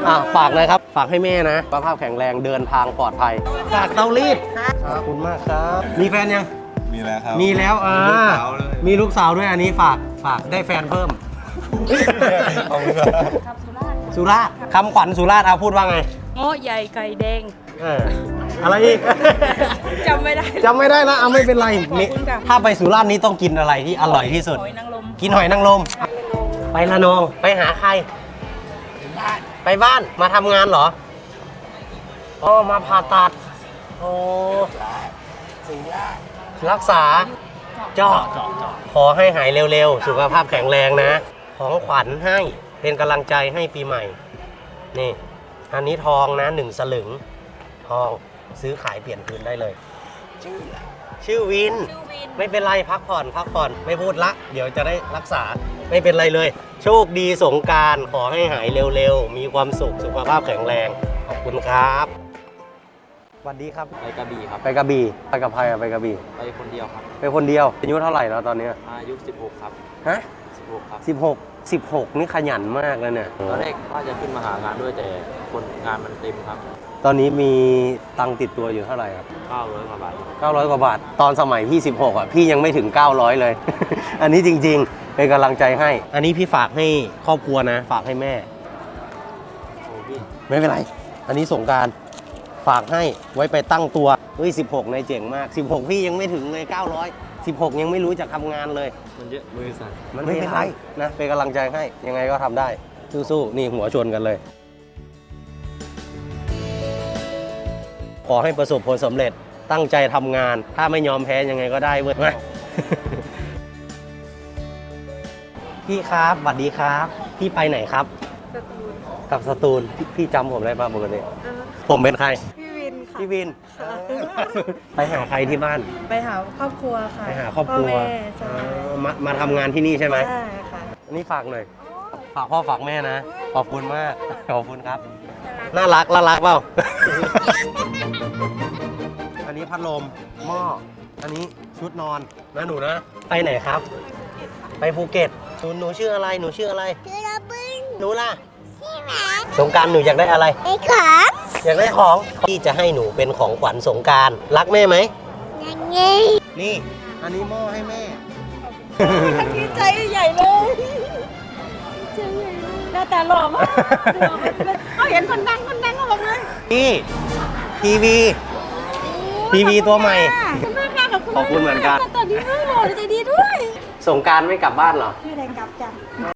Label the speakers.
Speaker 1: ฝากเลยครับฝากให้แม่นะสุขภาพแข็งแรงเดินทางปลอดภัยฝากเตารีดขอบคุณมากครับมีแฟนยัง
Speaker 2: มีแล้วครับ
Speaker 1: มีแล้วมีลูกสาวด้วยอันนี้ฝากได้แฟนเพิ่มสุราษฎร์คำขวัญสุราษฎร์พูดว่าไง
Speaker 3: โง่ใหญ่ไก่แดง
Speaker 1: อะไรอีก
Speaker 3: จำไม่
Speaker 1: ได้นะไม่เป็นไรถ้าไปสุราษฎร์นี้ต้องกินอะไรที่อร่อยที่สุดกินหอยนางรมไประนองไปหาใครไปบ้านมาทำงานเหรอมาผ่าตัดรักษาเจาะขอให้หายเร็วๆสุขภาพแข็งแรงนะของขวัญให้เป็นกำลังใจให้ปีใหม่นี่อันนี้ทองนะ1 สลึงทองซื้อขายเปลี่ยนคืนได้เลยชื่อวินไม่เป็นไรพักผ่อนไม่พูดละเดี๋ยวจะได้รักษาไม่เป็นไรเลยโชคดีสงกรานต์ขอให้หายเร็วๆมีความสุขสุขภาพแข็งแรงขอบคุณครับสวัสดีครับ
Speaker 4: ไปกระบี่ครับ
Speaker 1: ไปกระบี่ไปกับใครไปกระบี่
Speaker 4: ไปคนเดียวครับ
Speaker 1: ไปคนเดียวอายุเท่าไหร่แล้วตอนนี้
Speaker 4: อายุ16ครับ
Speaker 1: ฮะ
Speaker 4: 16ครับ
Speaker 1: 16นี่ขยันมากเลยเนี่ย
Speaker 4: ตอนแรกว่าจะขึ้นมาหางานด้วยแต่คนงานมันเต็มครับ
Speaker 1: ตอนนี้มีตังค์ติดตัวอยู่เท่าไหร่ครับ
Speaker 4: 900 กว่าบาท
Speaker 1: 900 กว่าบาทตอนสมัยพี่16พี่ยังไม่ถึง900เลย อันนี้จริงๆเป็นกำลังใจให้อันนี้พี่ฝากให้ครอบครัวนะฝากให้แม่ไม่เป็นไรอันนี้สงกรานต์ฝากให้ไว้ไปตั้งตัว16ในเจ๋งมาก16พี่ยังไม่ถึงเลย900 16ยังไม่รู้จะทำงานเลย
Speaker 4: มันเยอะบริษัท
Speaker 1: มันไม่เป็นไรนะเป็นกำลังใจให้ยังไงก็ทำได้สู้ๆนี่หัวชนกันเลยขอให้ประสบผลสำเร็จตั้งใจทำงานถ้าไม่ยอมแพ้ยังไงก็ได้เว้ยพี่ครับสวัสดีครับพี่ไปไหนครับกับสตูลพี่จำผมได้ป่ะปกติผมเป็นใครพี่วินไปหาใครที่บ้าน
Speaker 3: ไปหาครอบครัวค่ะ
Speaker 1: ไปหาครอบครัวมาทำงานที่นี่ใช่ไหม
Speaker 3: ใช่ค่ะ
Speaker 1: อันนี้ฝากหน่อยฝากพ่อฝากแม่นะขอบคุณมากขอบคุณครับน่ารักเปล่า อันนี้พัดลมหม้ออันนี้ชุดนอนนะหนูนะไปไหนครับไปภูเก็ตหนูชื่ออะไรชื่อระบึ้งหนูล่ะสงกรานต์หนูอยากได้อะไรของอยากได้ของที่จะให้หนูเป็นของขวัญสงกรานต์รักแม่ไหมยังไงนี่อันนี้หม้อให้แม่
Speaker 3: ดีใจใหญ่เลยหน้าตาหล่อมากเขาเห็นคนดังก็บอกเลย
Speaker 1: นี่ทีวีตัวใหม่ขอบคุณเหมือนกัน
Speaker 3: ตอนนี้ไม่หล่อใจดีด้วย
Speaker 1: สงกรานต์ไม่กลับบ้านเหรอ
Speaker 3: ไม่ได้กลับจ้ะ